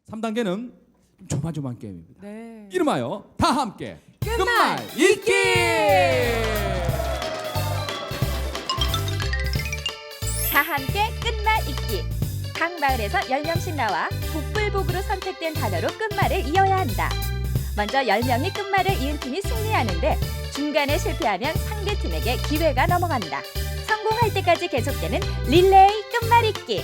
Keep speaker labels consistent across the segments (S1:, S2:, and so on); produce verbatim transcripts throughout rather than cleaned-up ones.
S1: 삼 단계는 조만조만 게임입니다.
S2: 네.
S1: 이름하여 다 함께
S2: 끝말
S1: 읽기.
S3: 다 함께 끝말 읽기. 각 마을에서 열 명씩 나와 복불복으로 선택된 단어로 끝말을 이어야 한다. 먼저 열 명이 끝말을 이은 팀이 승리하는데 중간에 실패하면 상대 팀에게 기회가 넘어간다. 성공할 때까지 계속되는 릴레이 끝말 읽기.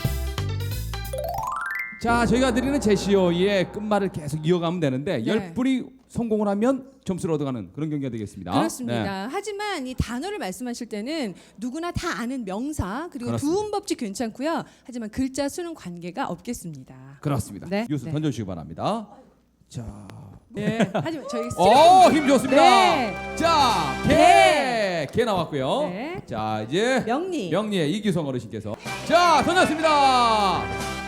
S1: 자, 저희가 드리는 제시어의 끝말을 계속 이어가면 되는데
S2: 네.
S1: 열 분이 성공을 하면 점수를 얻어가는 그런 경기가 되겠습니다.
S2: 그렇습니다.
S1: 네.
S2: 하지만 이 단어를 말씀하실 때는 누구나 다 아는 명사 그리고
S1: 그렇습니다.
S2: 두음 법칙 괜찮고요. 하지만 글자 수는 관계가 없겠습니다.
S1: 그렇습니다.
S2: 네.
S1: 뉴스
S2: 네.
S1: 던져주시기 바랍니다. 자,
S2: 네. 하지만 저희
S1: 오, 힘 좋습니다.
S2: 네.
S1: 자, 개,
S2: 네.
S1: 개 나왔고요.
S2: 네.
S1: 자, 이제
S2: 명리.
S1: 명리의 이규성 어르신께서 자, 던졌습니다.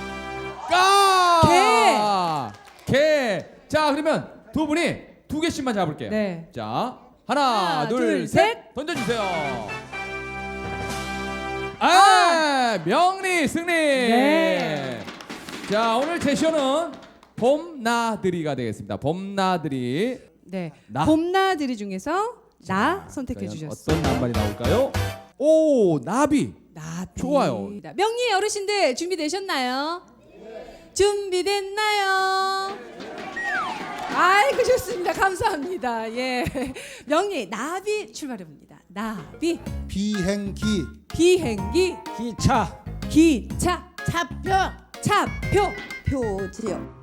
S1: 까! 개. 개. 자, 그러면 두 분이 두 개씩만 잡을게요.
S2: 네.
S1: 자, 하나,
S2: 하나,
S1: 둘,
S2: 둘,
S1: 셋.
S2: 셋.
S1: 던져주세요. 아, 명리 승리.
S2: 네.
S1: 자, 오늘 제시어는 봄나들이가 되겠습니다. 봄나들이.
S2: 네.
S1: 나.
S2: 봄나들이 중에서 나 선택해
S1: 과연
S2: 주셨어요.
S1: 어떤 남발이 나올까요? 오, 나비.
S2: 나비.
S1: 좋아요.
S2: 명리 어르신들 준비되셨나요? 준비됐나요? 아이고 좋습니다. 감사합니다. 예, 명리 나비 출발해 봅니다. 나비
S4: 비행기,
S2: 비행기
S4: 기차,
S2: 기차
S5: 차표
S2: 차표
S5: 표지요.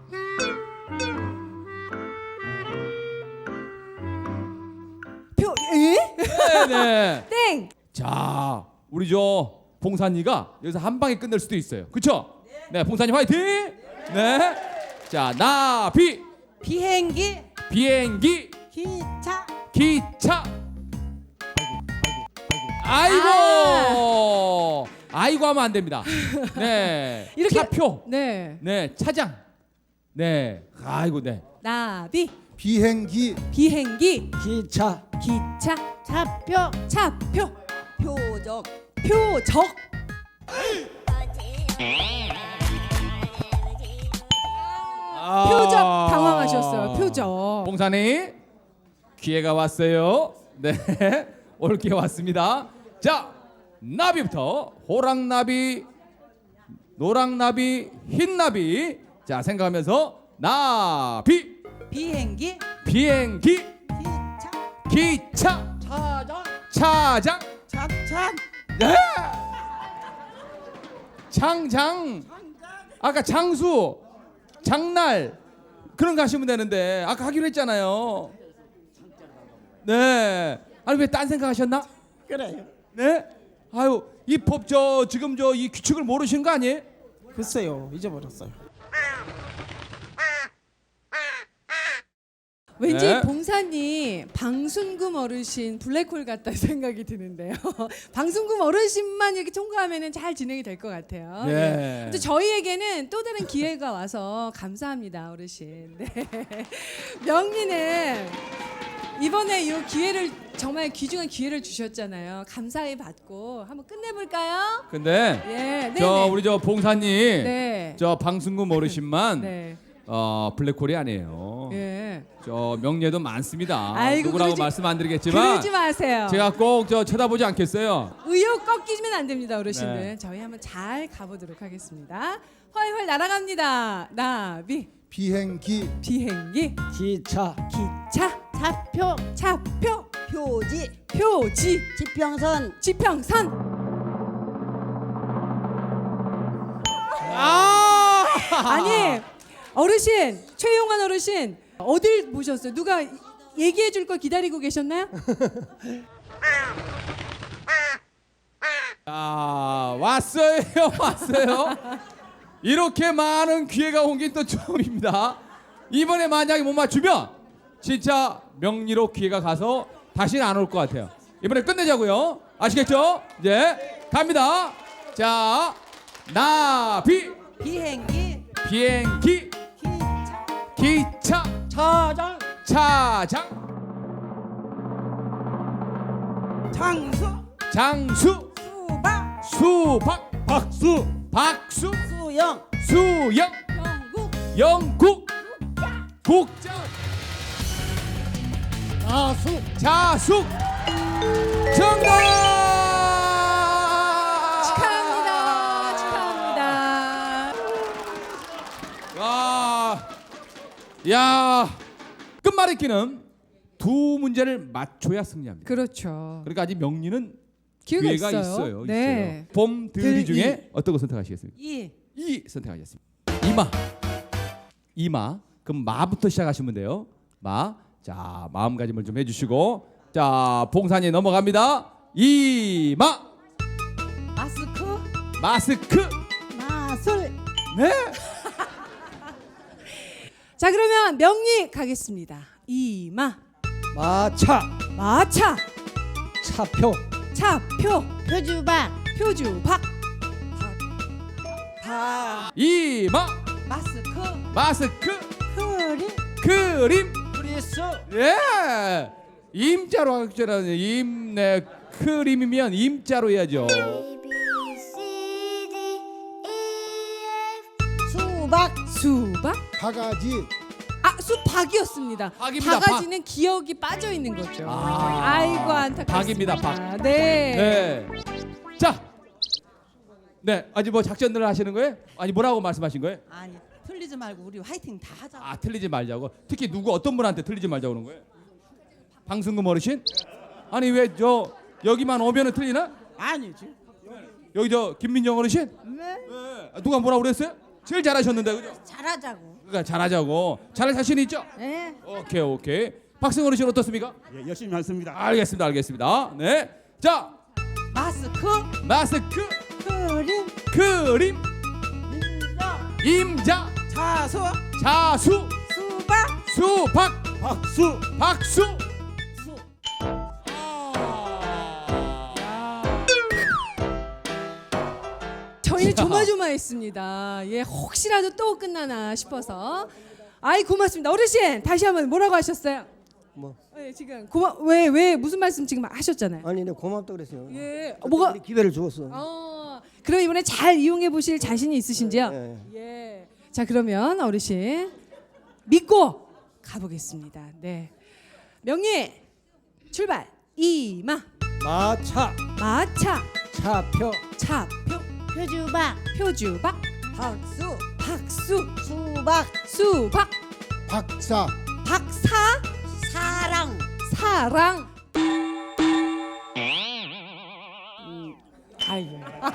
S2: 표 에?
S1: 네네.
S2: 땡
S1: 자, 우리 저 봉산이가 여기서 한 방에 끝낼 수도 있어요. 그렇죠? 네, 봉산이 화이팅. 네. 자, 나비,
S5: 비행기
S1: 비행기,
S5: 기차
S1: 기차. 아이고, 아이고 하면 안 됩니다. 네.
S2: 이렇게-
S1: 차표.
S2: 네
S1: 네, 차장. 네. 아이고, 네.
S2: 나비
S4: 비행기,
S2: 비행기
S4: 기차,
S2: 기차
S5: 차표
S2: 차표
S5: 표적
S2: 표적
S1: 아.
S2: 표적 당황하셨어요. 표적
S1: 봉산이 기회가 왔어요. 네, 올 기회 왔습니다. 자, 나비부터 호랑나비, 노랑나비, 흰나비. 자, 생각하면서 나비,
S5: 비행기
S1: 비행기,
S5: 기차
S1: 기차,
S5: 차적
S1: 차장,
S5: 차찬
S1: 네, 장장. 아까 장수, 장날 그런 거 하시면 되는데 아까 하기로 했잖아요. 네. 아니 왜 딴 생각하셨나?
S5: 그래요.
S1: 네. 아유 이 법 저 지금 저 이 규칙을 모르시는 거 아니에요?
S4: 글쎄요, 잊어버렸어요.
S2: 왠지
S1: 네.
S2: 봉사님 방순금 어르신 블랙홀 같다 생각이 드는데요. 방순금 어르신만 이렇게 통과하면은 잘 진행이 될 것 같아요.
S1: 네.
S2: 또 저희에게는 또 다른 기회가 와서 감사합니다, 어르신. 네. 명리는 이번에 이 기회를 정말 귀중한 기회를 주셨잖아요. 감사히 받고 한번 끝내볼까요?
S1: 근데
S2: 예, 네,
S1: 저
S2: 네.
S1: 우리 저 봉사님
S2: 네.
S1: 저 방승금 어르신만
S2: 네.
S1: 어 블랙홀이 아니에요.
S2: 예.
S1: 저 명예도 많습니다.
S2: 아이고,
S1: 누구라고
S2: 그러지-
S1: 말씀 안 드리겠지만
S2: 그러지 마세요.
S1: 제가 꼭 저 쳐다보지 않겠어요.
S2: 의욕 꺾이면 안 됩니다, 어르신들.
S1: 네.
S2: 저희 한번 잘 가보도록 하겠습니다. 훨훨 날아갑니다. 나비,
S4: 비행기,
S2: 비행기,
S4: 기차,
S2: 기차,
S5: 차표
S2: 차표,
S5: 표지
S2: 표지,
S5: 지평선
S2: 지평선.
S1: 아!
S2: 아니, 어르신, 최용환 어르신 어딜 보셨어요? 누가 얘기해 줄 걸 기다리고 계셨나요?
S1: 아, 왔어요. 왔어요. 이렇게 많은 기회가 온 게 또 처음입니다. 이번에 만약에 못 맞추면 진짜 명리로 기회가 가서 다시는 안 올 것 같아요. 이번에 끝내자고요. 아시겠죠? 이제 갑니다. 자, 나비,
S5: 비행기
S1: 비행기,
S5: 기차
S1: 기차,
S5: 차장
S1: 차장,
S5: 장수
S1: 장수,
S5: 수박
S1: 수박,
S4: 박수,
S1: 박수,
S5: 수영
S1: 수영,
S2: 영국,
S1: 영국 국자
S4: 자숙.
S1: 자숙 정답.
S2: 축하합니다. 축하합니다.
S1: 와, 야, 끝말잇기는 두 문제를 맞춰야 승리합니다.
S2: 그렇죠.
S1: 그러니까 아직 명리는
S2: 기회가,
S1: 기회가
S2: 있어요.
S1: 있어요.
S2: 네.
S1: 있어요. 봄 들이
S2: 들이.
S1: 중에 어떤 거 선택하시겠습니까?
S5: 이.
S1: 이 선택하겠습니다. 이마, 이마. 그럼 마부터 시작하시면 돼요. 마. 자, 마음가짐을 좀 해주시고, 자, 봉산이 넘어갑니다. 이마,
S5: 마스크.
S1: 마스크.
S5: 마술.
S1: 네.
S2: 자, 그러면 명리 가겠습니다. 이마,
S4: 마차.
S2: 마차,
S4: 차표.
S2: 차표,
S5: 표주박.
S2: 표주박,
S5: 박.
S1: 이마,
S5: 마스크.
S1: 마스크.
S5: 크림.
S1: 그림.
S5: 프리스.
S1: 예. 임자로 하잖아요. 임, 네. 그림이면 임자로 해야죠.
S5: 수박.
S2: 수박.
S4: 바가지.
S2: 아, 수박이었습니다.
S1: 박입니다,
S2: 바가지는 기억이 빠져 있는 거죠.
S1: 아.
S2: 아이고 안타깝습니다.
S1: 박입니다, 박.
S2: 네.
S1: 네. 자. 네. 아직 뭐 작전들을 하시는 거예요? 아니 뭐라고 말씀하신 거예요?
S5: 아니 틀리지 말고 우리 화이팅 다 하자.
S1: 아, 틀리지 말자고. 특히 누구 어떤 분한테 틀리지 말자고 그러는 거예요? 방승금 어르신? 아니 왜 저 여기만 오면은 틀리나?
S5: 아니지.
S1: 여기 저 김민정 어르신?
S5: 네.
S1: 네. 아, 누가 뭐라고 그랬어요? 제일 잘하셨는데 그죠?
S5: 잘하자고.
S1: 그러니까 잘하자고. 잘할 자신 있죠?
S5: 네.
S1: 오케이 오케이. 박승 어르신 어떻습니까?
S6: 예, 열심히 하겠습니다.
S1: 알겠습니다 알겠습니다. 네. 자,
S5: 마스크.
S1: 마스크.
S5: 크림.
S1: 그림.
S5: 인자.
S1: 임자.
S5: 자수.
S1: 자수.
S5: 수박.
S1: 수박.
S6: 박수.
S1: 박수.
S5: 수.
S2: 저희는 조마조마했습니다. 예, 혹시라도 또 끝나나 싶어서. 아이 고맙습니다. 어르신 다시 한번 뭐라고 하셨어요?
S7: 뭐
S2: 예, 지금 고마 왜 왜 무슨 말씀 지금 하셨잖아요.
S7: 아니 내가 고맙다 그랬어요.
S2: 예, 어, 뭐가?
S7: 우리 기회를 주었어.
S2: 어, 그럼 이번에 잘 이용해 보실 자신이 있으신지요?
S7: 예.
S2: 예. 자 그러면 어르신 믿고 가보겠습니다. 네. 명리 출발. 이마,
S4: 마차.
S2: 마차,
S4: 차표.
S2: 차표,
S5: 표주박.
S2: 표주박,
S5: 박수.
S2: 박수,
S5: 수박.
S2: 수박,
S4: 박사.
S2: 박사,
S5: 사랑.
S2: 사랑. 음, 아이고.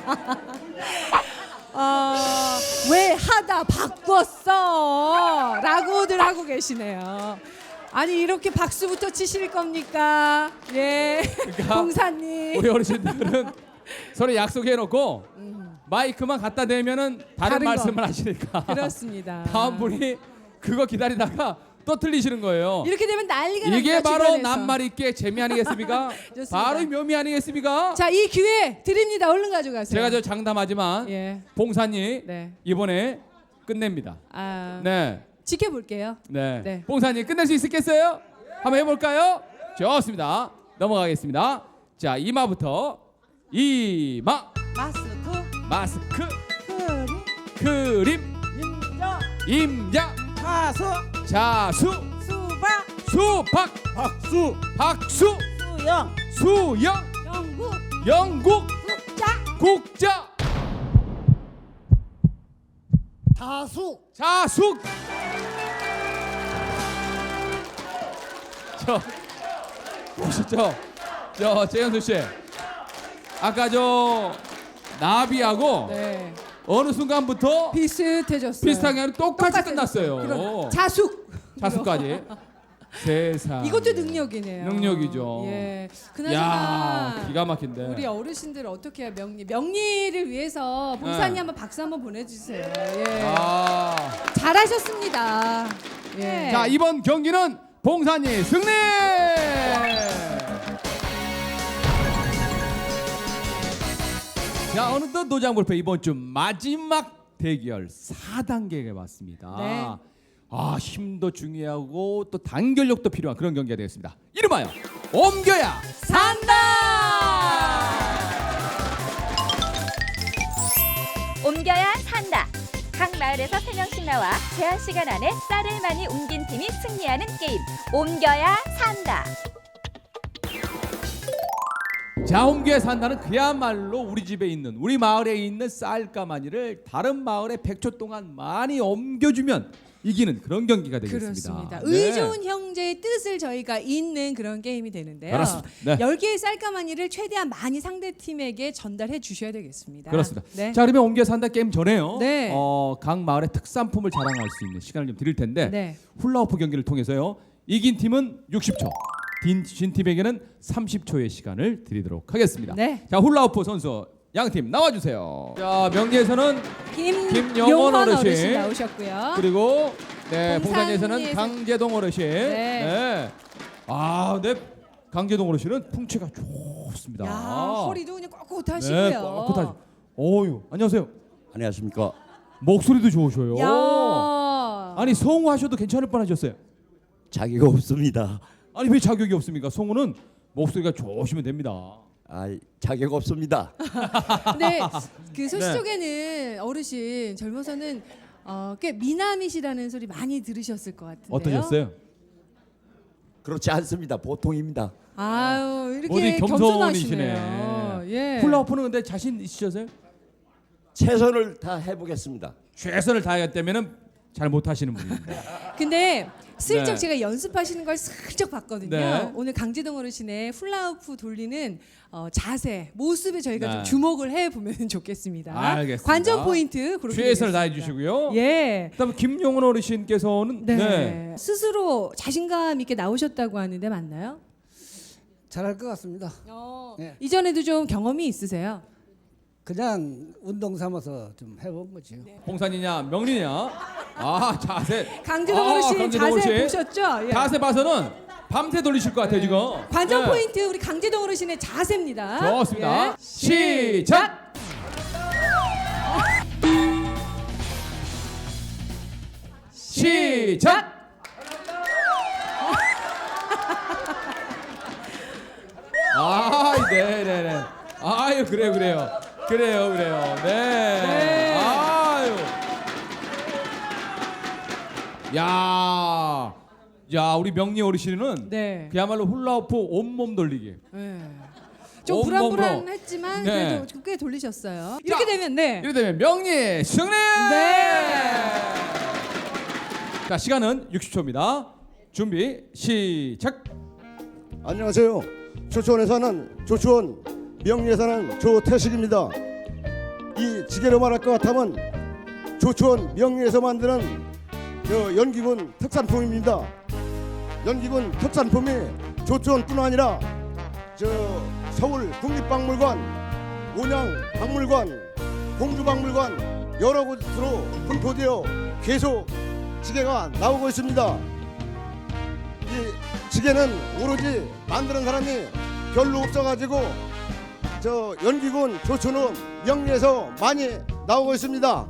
S2: 어, 왜 하다 바꿨어? 라고들 하고 계시네요. 아니 이렇게 박수부터 치실 겁니까? 예, 봉사님.
S1: 우리 어르신들은 서로 약속해놓고 마이크만 갖다 대면은 다른,
S2: 다른 거.
S1: 말씀을 하시니까
S2: 그렇습니다.
S1: 다음 분이 그거 기다리다가 또 틀리시는 거예요.
S2: 이렇게 되면 난리가
S1: 이게
S2: 납니다,
S1: 바로
S2: 주변에서.
S1: 남말있게 재미 아니겠습니까?
S2: 좋습니다.
S1: 바로 이 묘미 아니겠습니까?
S2: 자, 이 기회 드립니다. 얼른 가져가세요.
S1: 제가 저 장담하지만
S2: 예,
S1: 봉사님
S2: 네.
S1: 이번에 끝냅니다.
S2: 아,
S1: 네,
S2: 지켜볼게요.
S1: 네.
S2: 네.
S1: 봉사님 끝낼 수 있겠어요? 한번 해볼까요? 좋습니다. 넘어가겠습니다. 자, 이마부터 이마,
S5: 마스크.
S1: 마스크,
S5: 크림.
S1: 그림,
S5: 인자.
S1: 임자,
S5: 자수.
S1: 자수,
S5: 수박.
S1: 수박,
S6: 박수.
S1: 박수,
S5: 수영.
S1: 수영,
S5: 영국.
S1: 영국,
S5: 국자.
S1: 국자,
S4: 다수.
S1: 자숙. 저 보시죠. 저 재현수 씨. 아까 저 나비하고
S2: 네,
S1: 어느 순간부터
S2: 비슷해졌어요.
S1: 비슷하게 아니라 똑같이
S2: 똑같아졌어요.
S1: 끝났어요.
S2: 그럼 자숙.
S1: 자숙까지. 세상.
S2: 이것도 능력이네요.
S1: 능력이죠.
S2: 예.
S1: 야,
S2: 그나저나
S1: 기가 막힌데.
S2: 우리 어르신들 어떻게 해야 명리 명리를 위해서 봉사님
S1: 네.
S2: 한번 박수 한번 보내주세요. 예.
S1: 아.
S2: 잘하셨습니다. 예.
S1: 자, 이번 경기는 봉산이 승리! 자, 어느덧 노장불패 이번 주 마지막 대결 사 단계가 왔습니다.
S2: 네.
S1: 아, 힘도 중요하고 또 단결력도 필요한 그런 경기가 되겠습니다. 이름하여 옮겨야
S2: 산다.
S3: 옮겨야 산다. 각 마을에서 세 명씩 나와 제한 시간 안에 쌀을 많이 옮긴 팀이 승리하는 게임. 옮겨야 산다.
S1: 자, 옮겨야 산다는 그야말로 우리 집에 있는 우리 마을에 있는 쌀가마니를 다른 마을에 백 초 동안 많이 옮겨주면 이기는 그런 경기가 되겠습니다.
S2: 그렇습니다.
S1: 네.
S2: 의 좋은 형제의 뜻을 저희가 잇는 그런 게임이 되는데요.
S1: 그렇습니다. 네.
S2: 열 개의 쌀가마니를 최대한 많이 상대 팀에게 전달해 주셔야 되겠습니다.
S1: 그렇습니다.
S2: 네.
S1: 자, 그러면 옮겨 산다 게임 전에요.
S2: 네.
S1: 어, 각 마을의 특산품을 자랑할 수 있는 시간을 좀 드릴 텐데
S2: 네.
S1: 훌라후프 경기를 통해서요. 이긴 팀은 육십 초, 진 팀에게는 삼십 초의 시간을 드리도록 하겠습니다.
S2: 네.
S1: 자, 훌라후프 선수 양 팀 나와주세요. 자, 명리에서는
S2: 김,
S1: 김영원
S2: 용원
S1: 어르신.
S2: 어르신 나오셨고요.
S1: 그리고 네, 봉산리에서는
S2: 봉산리에서-
S1: 강재동 어르신.
S2: 네.
S1: 네. 아, 네. 강재동 어르신은 풍채가 좋습니다.
S2: 야, 허리도 그냥 꼿꼿하시고요.
S1: 네, 꼿꼿하시. 어유, 안녕하세요.
S6: 안녕하십니까.
S1: 목소리도 좋으셔요.
S2: 야.
S1: 아니, 성우하셔도 괜찮을 뻔하셨어요.
S6: 자기가 없습니다.
S1: 아니, 왜 자격이 없습니까? 성우는 목소리가 좋으시면 됩니다.
S6: 아, 자격 없습니다.
S2: 근데 그 소식
S1: 네.
S2: 속에는 어르신 젊어서는 어, 꽤 미남이시라는 소리 많이 들으셨을 것 같은데요.
S1: 어떠셨어요?
S6: 그렇지 않습니다. 보통입니다.
S2: 아유,
S1: 어디
S2: 이렇게
S1: 겸손이시네.
S2: 겸손하시네요. 예.
S1: 훌라후프는 근데 자신 있으셔서요?
S6: 최선을 다 해보겠습니다.
S1: 최선을 다하겠다면은 잘 못하시는 분입니다.
S2: 근데 슬쩍
S1: 네.
S2: 제가 연습하시는 걸 슬쩍 봤거든요.
S1: 네.
S2: 오늘 강재동 어르신의 훌라후프 돌리는 어, 자세, 모습에 저희가
S1: 네.
S2: 좀 주목을 해 보면 좋겠습니다.
S1: 알겠습니다.
S2: 관전 포인트 그렇게
S1: 최선을
S2: 되겠습니다.
S1: 다해 주시고요.
S2: 예.
S1: 그다음에 김용원 어르신께서는
S2: 네.
S1: 네.
S2: 스스로 자신감 있게 나오셨다고 하는데 맞나요?
S4: 잘할 것 같습니다.
S2: 어,
S4: 네.
S2: 이전에도 좀 경험이 있으세요?
S4: 그냥 운동 삼아서 좀 해본 거죠.
S1: 봉산이냐 명리냐? 아, 자세.
S2: 강재동
S1: 아,
S2: 어르신
S1: 강재동
S2: 자세
S1: 어르신.
S2: 보셨죠? 예.
S1: 자세 봐서는 밤새 돌리실 것 같아요 지금.
S2: 관전
S1: 네.
S2: 포인트 우리 강재동 어르신의 자세입니다.
S1: 좋습니다.
S2: 예.
S1: 시작. 시작. 아, 네, 네, 네. 아유, 그래요, 그래요, 그래요, 그래요. 네.
S2: 네.
S1: 아유. 야, 야, 우리 명리 어르신은
S2: 네.
S1: 그야말로 훌라후프 온몸 돌리기.
S2: 네. 좀
S1: 온몸으로.
S2: 불안불안했지만
S1: 네.
S2: 그래도 꽤 돌리셨어요. 이렇게 되면 네.
S1: 이렇게 되면 명리 승리.
S2: 네.
S1: 자, 시간은 육십 초입니다. 준비 시작.
S7: 안녕하세요. 조초원에 사는 조초원, 명리에 사는 조태식입니다. 이 지게로 말할 것 같으면 조초원 명리에서 만드는 저 연기군 특산품입니다. 연기군 특산품이 조초원뿐 아니라 저 서울 국립박물관, 온양박물관, 공주박물관 여러 곳으로 분포되어 계속 지게가 나오고 있습니다. 이 지게는 오로지 만드는 사람이 별로 없어가지고 저 연기군 조초원 명리에서 많이 나오고 있습니다.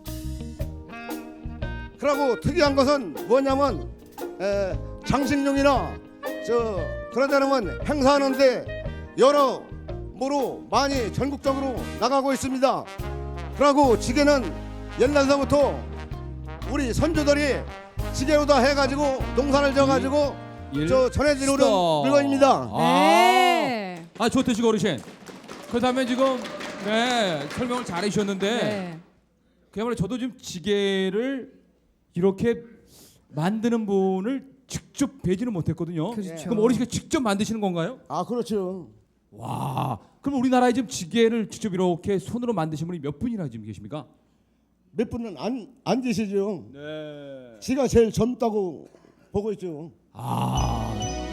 S7: 그리고 특이한 것은 뭐냐면 에, 장식용이나 저 그러지 않으면 행사하는데 여러모로 많이 전국적으로 나가고 있습니다. 그리고 지게는 옛날서부터 우리 선조들이 지게로다 해가지고 농사를 져가지고
S1: 일,
S7: 저 전해지는
S1: 스톱.
S7: 물건입니다.
S2: 네.
S1: 아, 아 조태식 어르신. 그다음에 지금 네 설명을 잘해 주셨는데
S2: 네.
S1: 그야말로 저도 지금 지게를 이렇게 만드는 분을 직접 뵈지는 못했거든요.
S2: 그렇죠.
S1: 그럼 어르신이 직접 만드시는 건가요?
S7: 아 그렇죠.
S1: 와, 그럼 우리나라에 지금 지게를 직접 이렇게 손으로 만드신 분이 몇 분이나 지금 계십니까?
S7: 몇 분은 안, 안 계시죠.
S1: 네.
S7: 지가 제일 젊다고 보고 있죠.
S1: 아,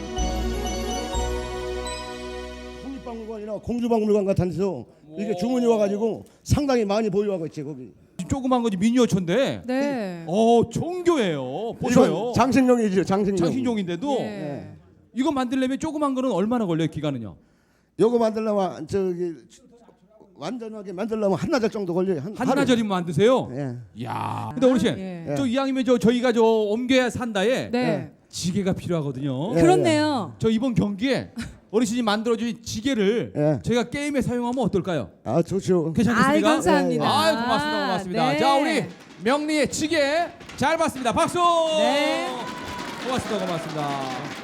S7: 국립박물관이나 공주박물관 같은 데서 이렇게 주문이 와가지고 상당히 많이 보유하고 있지 거기.
S1: 조그만 거지 미니어처인데.
S2: 네.
S1: 어, 정교해요. 보셔요.
S7: 이건 장식용이죠. 장식용.
S1: 장신용인데도
S2: 네.
S1: 이거 만들려면 조그만 거는 얼마나 걸려요? 기간은요?
S7: 요거 만들려면 저기 완전하게 만들려면 한나절 정도 걸려요. 한, 하루에.
S1: 한나절이면 만드세요?
S7: 예.
S1: 야. 근데 어르신,
S2: 예.
S1: 저 이왕이면 저 저희가 저 옮겨야 산다에
S2: 네.
S1: 지게가 필요하거든요.
S7: 예.
S2: 그렇네요.
S1: 저 이번 경기에 어르신이 만들어주신 지게를
S7: 예.
S1: 저희가 게임에 사용하면 어떨까요?
S7: 아 좋죠.
S1: 괜찮겠습니까?
S2: 아이, 감사합니다.
S1: 아이, 고맙습니다, 고맙습니다.
S2: 네.
S1: 자, 우리 명리의 지게 잘 봤습니다. 박수.
S2: 네.
S1: 고맙습니다. 고맙습니다.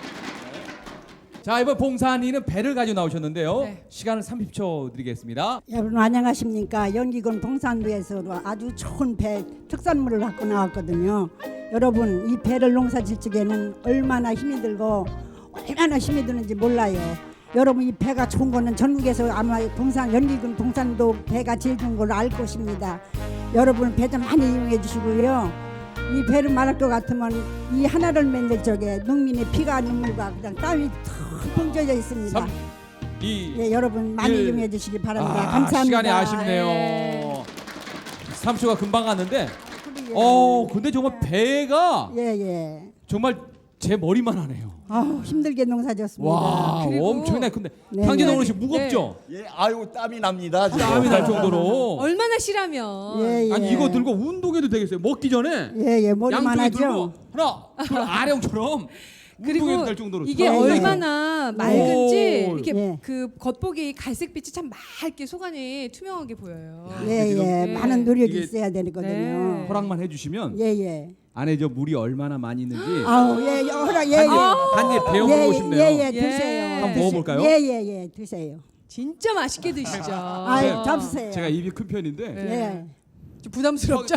S1: 자, 이번 봉산이는 배를 가지고 나오셨는데요.
S2: 네.
S1: 시간을 삼십 초 드리겠습니다.
S5: 여러분 안녕하십니까. 연기군 봉산도에서 아주 좋은 배 특산물을 갖고 나왔거든요. 여러분 이 배를 농사질 적에는 얼마나 힘이 들고 얼마나 힘이 드는지 몰라요. 여러분 이 배가 좋은 거는 전국에서 아마 봉산 연기군 봉산도 배가 제일 좋은 걸로 알 것입니다. 여러분 배 좀 많이 이용해 주시고요. 이 배를 말할 것 같으면 이 하나를 만들 적에 농민의 피가 눈물과 그냥 땀이 텅텅 젖어 있습니다.
S1: 삼, 이,
S5: 예, 여러분 많이
S1: 일.
S5: 이용해 주시기 바랍니다.
S1: 아,
S5: 감사합니다.
S1: 시간이 아쉽네요.
S2: 네.
S1: 삼 초가 금방 갔는데
S5: 그러게요.
S1: 어, 근데 정말 배가
S5: 예, 예.
S1: 정말 제 머리만 하네요.
S5: 아우, 힘들게 농사졌습니다.
S1: 와,
S2: 그리고-
S1: 엄청나게 큰데
S5: 네,
S1: 강진동
S5: 네.
S1: 어르신 무겁죠?
S6: 예, 아유 땀이 납니다. 지금.
S1: 땀이 날 정도로.
S2: 얼마나 실하면
S5: 예, 예.
S1: 아니 이거 들고 운동해도 되겠어요. 먹기 전에
S5: 예, 예. 머리만
S1: 양쪽에 들고
S5: 하죠.
S1: 하나, 둘, 아령처럼
S2: 그리고
S1: 운동해도 될 정도로.
S2: 이게
S5: 예, 예.
S2: 얼마나 맑은지
S1: 오.
S2: 이렇게
S5: 예.
S2: 그 겉보기 갈색빛이 참 맑게 속안이 투명하게 보여요.
S5: 예,
S1: 지금
S5: 예.
S2: 네.
S5: 많은 노력이
S1: 이게-
S5: 있어야 되거든요.
S2: 네.
S1: 허락만 해주시면
S5: 예, 예.
S1: 안에 저 물이 얼마나 많이 있는지
S5: 아우, 예, 예. 허락, 예, 예.
S1: 한입 배워보고
S5: 예,
S1: 싶네요.
S5: 예, 예.
S2: 예.
S5: 드세요.
S2: 한번
S5: 드세-
S1: 먹어볼까요?
S5: 예, 예, 예. 드세요.
S2: 진짜 맛있게 드시죠.
S5: 아유,
S2: 어.
S5: 잡수세요.
S1: 제가 입이 큰 편인데
S2: 네.
S5: 예.
S2: 좀 부담스럽죠.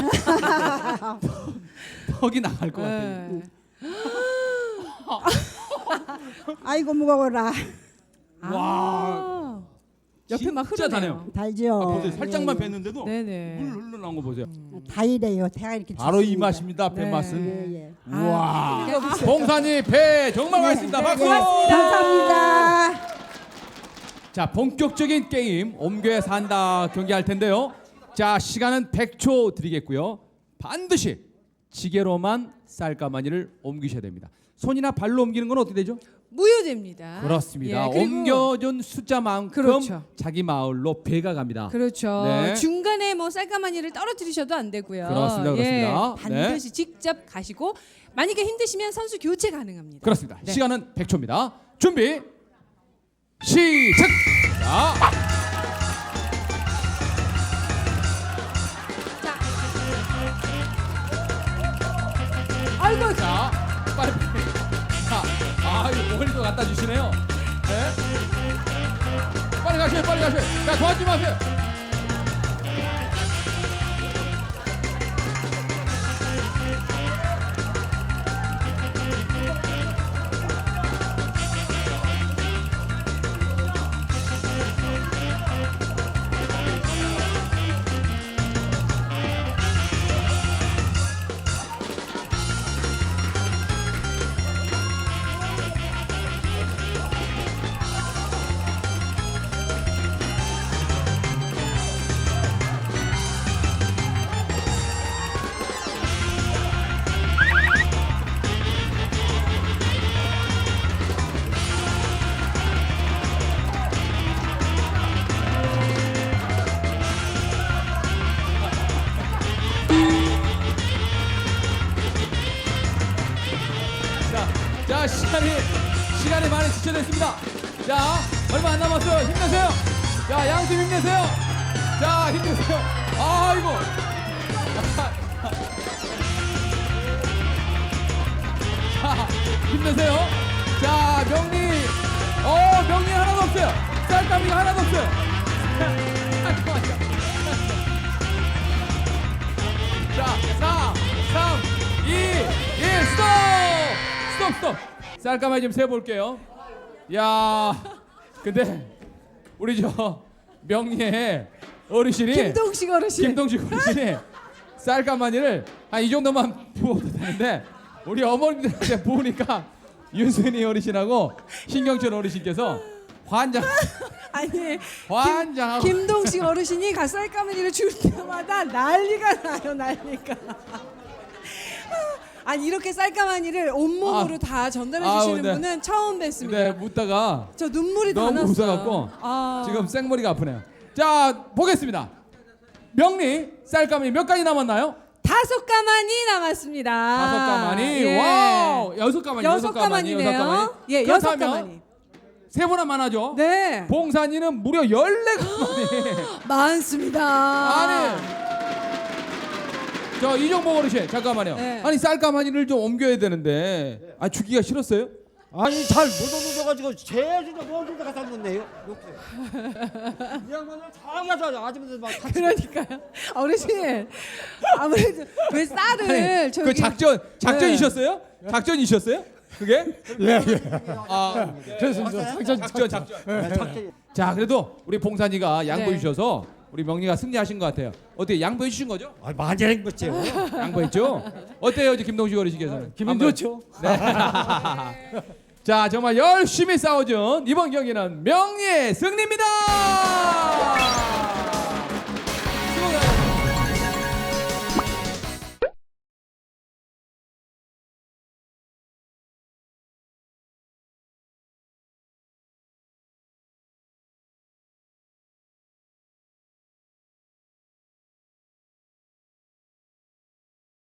S1: 턱이 나갈 것 같아요.
S2: 네.
S5: 아이고 무거워라.
S1: 와,
S2: 아, 옆에 막
S1: 진짜
S2: 흐르네요.
S1: 다네요.
S5: 달죠.
S1: 아, 보세요. 살짝만
S5: 예, 예.
S1: 뵀는데도
S2: 네네.
S1: 물 흘러나온 거 보세요.
S5: 다 이래요. 배가 이렇게
S1: 바로 이
S5: 좋습니다.
S1: 맛입니다. 배
S2: 네.
S1: 맛은.
S5: 예, 예.
S1: 우와.
S2: 이거 보세요.
S1: 봉산이 배 정말 맛있습니다. 박수.
S5: 예, 감사합니다.
S1: 자, 본격적인 게임 옴교에 산다 경기할 텐데요. 자, 시간은 백 초 드리겠고요. 반드시 지게로만 쌀가마니를 옮기셔야 됩니다. 손이나 발로 옮기는 건 어떻게 되죠?
S2: 무효됩니다.
S1: 그렇습니다.
S2: 예, 그리고-
S1: 옮겨준 숫자만큼
S2: 그렇죠.
S1: 자기 마을로 배가 갑니다.
S2: 그렇죠.
S1: 네.
S2: 중간에 뭐 쌀가마니를 떨어뜨리셔도 안 되고요.
S1: 그렇습니다,
S2: 예,
S1: 그렇습니다.
S2: 반드시 직접 가시고 만약에 힘드시면 선수 교체 가능합니다.
S1: 그렇습니다.
S2: 네.
S1: 시간은 백 초입니다. 준비 시작. 자,
S2: 아이고,
S1: 자, 빨리 빨리. 자, 아, 이거 멀리도 갖다 주시네요. 네. 빨리 가세요, 빨리 가세요. 자, 도와주지 마세요. 자, 자, 시간이 시간이 많이 지체됐습니다. 자, 얼마 안 남았어요. 힘내세요. 자, 양팀 힘내세요. 자, 힘내세요. 아이고. 자, 힘내세요. 자, 명리. 어, 명리 하나도 없어요. 쌀가미가 하나도 없어요. 잠깐만요. 자, 사, 삼, 이, 일, 스톱! 스톱, 스톱! 쌀가마니 좀 세볼게요. 야, 근데 우리 저 명리의 어르신이
S2: 김동식 어르신.
S1: 김동식 어르신이 쌀가마니를 한 이 정도만 부어도 되는데 우리 어머님들한테 부으니까 윤순이 어르신하고 신경철 어르신께서 환장,
S2: 아니,
S1: 환장하고
S2: 김동식 어르신이 가 쌀가마니를 줄 때마다 난리가 나요, 난리가. 아니 이렇게 쌀가마니를 온몸으로
S1: 아,
S2: 다 전달해
S1: 아,
S2: 주시는
S1: 근데-
S2: 분은 처음 뵀습니다.
S1: 근데 묻다가
S2: 저 눈물이 다
S1: 너무
S2: 났어요.
S1: 웃어갖고
S2: 아.
S1: 지금 생머리가 아프네요. 자, 보겠습니다. 명리 쌀가마니 몇 가지 남았나요?
S2: 다섯 가마니 남았습니다.
S1: 다섯 가마니.
S2: 예.
S1: 와우. 여섯 가마니.
S2: 여섯 가마니네요. 예, 여섯
S1: 그렇다면
S2: 가마니.
S1: 세 번만 하죠.
S2: 네.
S1: 봉산이는 무려 열네 가마니.
S2: 많습니다.
S1: 아니. 저 이종복 어르신 잠깐만요.
S2: 네.
S1: 아니 쌀가마니를 좀 옮겨야 되는데 아 주기가 싫었어요?
S8: 아니 잘 못 얻어가지고 제일 진짜 먼저 가서 놓네요. 이 양반을 다 가서 아줌마들 막 같이.
S2: 그러니까요. 어르신 아무래도 왜 쌀을
S1: 아니,
S2: 저기
S1: 그 작전 작전이셨어요? 작전이셨어요? 그게?
S4: 예, 예.
S1: 아
S4: 그렇습니다. 작전,
S1: 작전 작전. 자 그래도 우리 봉산이가 양보해
S2: 네.
S1: 주셔서 우리 명리가 승리하신 것 같아요. 어떻게 양보해 주신 거죠?
S8: 아 많이 행복해요.
S1: 양보했죠? 어때요, 이제 김동식 어르신께서는?
S4: 기분
S1: 한번-
S4: 좋죠.
S1: 네. 자 정말 열심히 싸워준 이번 경기는 명리의 승리입니다.